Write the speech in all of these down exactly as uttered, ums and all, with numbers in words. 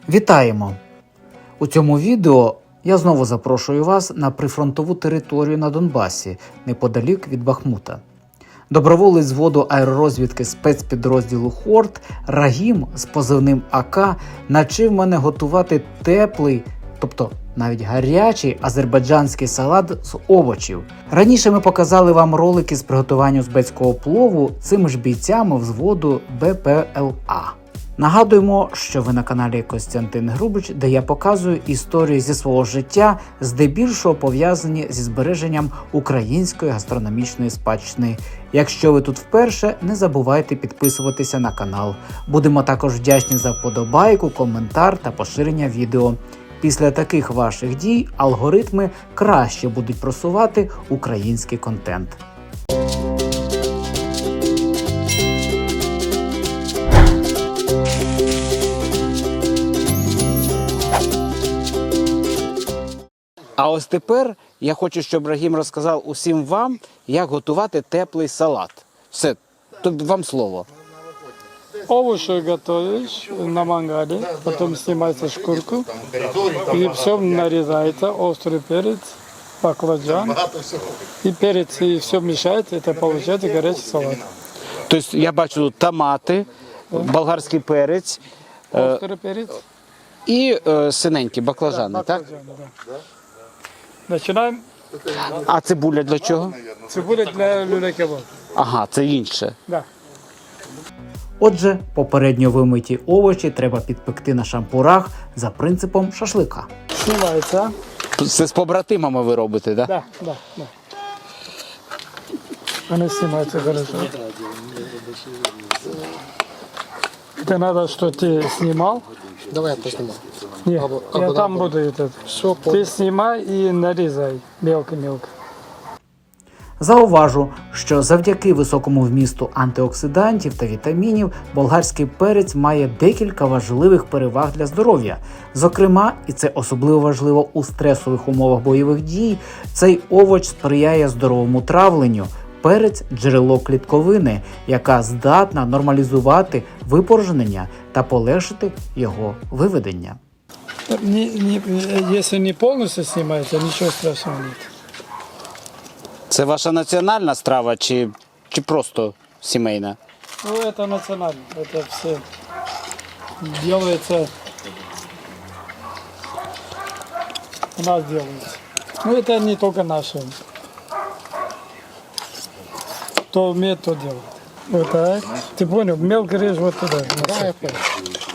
Вітаємо! У цьому відео я знову запрошую вас на прифронтову територію на Донбасі, неподалік від Бахмута. Доброволець зводу аеророзвідки спецпідрозділу «Хорт» Рагім з позивним АК навчив мене готувати теплий, тобто навіть гарячий азербайджанський салат з овочів. Раніше ми показали вам ролики з приготування узбецького плову цими ж бійцями взводу Б П Л А. Нагадуємо, що ви на каналі Костянтин Грубич, де я показую історії зі свого життя, здебільшого пов'язані зі збереженням української гастрономічної спадщини. Якщо ви тут вперше, не забувайте підписуватися на канал. Будемо також вдячні за вподобайку, коментар та поширення відео. Після таких ваших дій алгоритми краще будуть просувати український контент. А ось тепер я хочу, щоб Рагім розказав усім вам, як готувати теплий салат. Все, тут вам слово. Овощи готовишь на мангале, потом снимается шкурку, и все нарезается, острый перец, баклажан, и перец, и все мешается, это получается горячий салат. Тобто я бачу тут томати, болгарський перець Острый перец. і е, синенькі баклажани, так? Баклажаны, да. Начинаем. А цибуля для чого? Цибуля для люля-кебаб. Ага, це інше. Да. Отже, попередньо вимиті овочі треба підпекти на шампурах за принципом шашлика. Снимается. Це з побратимами ви робите, так? Да, да, да. Она снимается хорошо. Это надо, что ты снимал. Давай я посниму. Нет, Або- я або- там або- буду этот. Все, Ты понял. снимай и нарезай мелко-мелко. Зауважу, що завдяки високому вмісту антиоксидантів та вітамінів болгарський перець має декілька важливих переваг для здоров'я. Зокрема, і це особливо важливо у стресових умовах бойових дій, цей овоч сприяє здоровому травленню. Перець – джерело клітковини, яка здатна нормалізувати випорожнення та полегшити його виведення. Не, не, если не полностью снимается, ничего страшного нет. Це ваша національна страва чи, чи просто сімейна? Ну, это национально. Это все делается. У нас делается. Ну, это не только наше. Кто умеет, то делает. Вот так. Ты понял? Мелко режь вот туда. Давай я понял.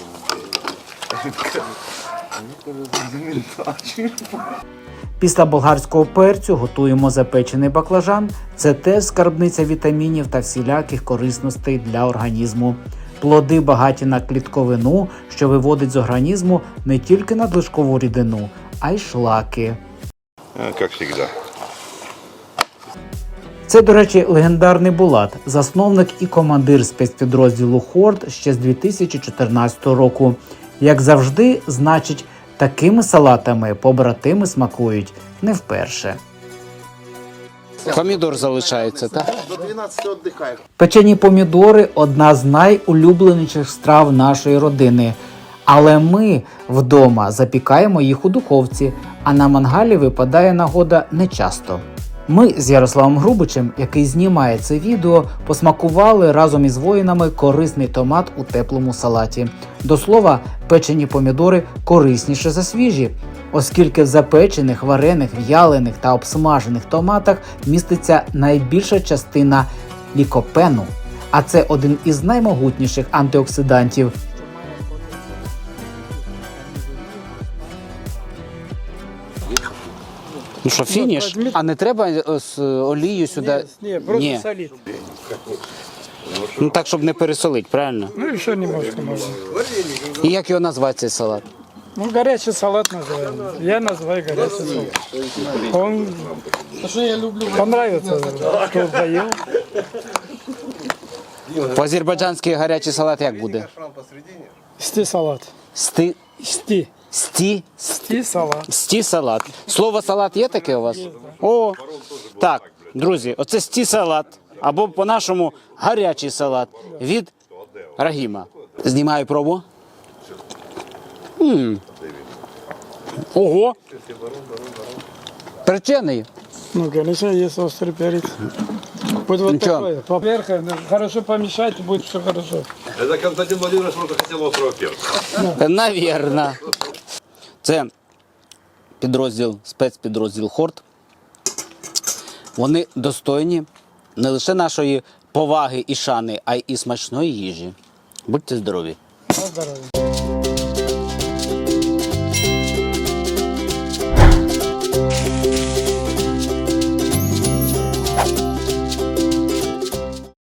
Після болгарського перцю готуємо запечений баклажан. Це теж скарбниця вітамінів та всіляких корисностей для організму. Плоди багаті на клітковину, що виводить з організму не тільки надлишкову рідину, а й шлаки. Как всегда. Це, до речі, легендарний Булат, засновник і командир спецпідрозділу «Хорт» ще з дві тисячі чотирнадцятого року. Як завжди, значить, такими салатами побратими смакують не вперше. Помідор залишається, так? До двенадцати отдыхаем. Печені помідори – одна з найулюбленіших страв нашої родини. Але ми вдома запікаємо їх у духовці, а на мангалі випадає нагода нечасто. Ми з Ярославом Грубичем, який знімає це відео, посмакували разом із воїнами корисний томат у теплому салаті. До слова, печені помідори корисніше за свіжі, оскільки в запечених, варених, в'ялених та обсмажених томатах міститься найбільша частина лікопену, а це один із наймогутніших антиоксидантів. Ну що, фініш? А не треба з олією сюди? Не, просто Ні. солить. Ну так, щоб не пересолити, правильно? Ну, еще немножко можно. І як його назвати цей салат? Ну, горячий салат называем. Я называю горячий салат. Он понравится, кто поел. По-азербайджанськи гарячий салат як буде? Сти салат. Сти... Сти. Сті... Сти салат. Сті салат. Слово салат є таке у вас? О, так, друзі, оце сті салат, або по-нашому гарячий салат від Рагіма. Знімаю пробу. М. Ого! Перчений. Ну, конечно, есть острый перец. Будет вот Ничего. такой. Поверх, ну, хорошо помешать, будет все хорошо. Это Константин Владимирович просто хотел острого перца. Навірно. Це підрозділ, спецпідрозділ Хорт. Вони достойні не лише нашої поваги і шани, а й і смачної їжі. Будьте здорові! На здоровье.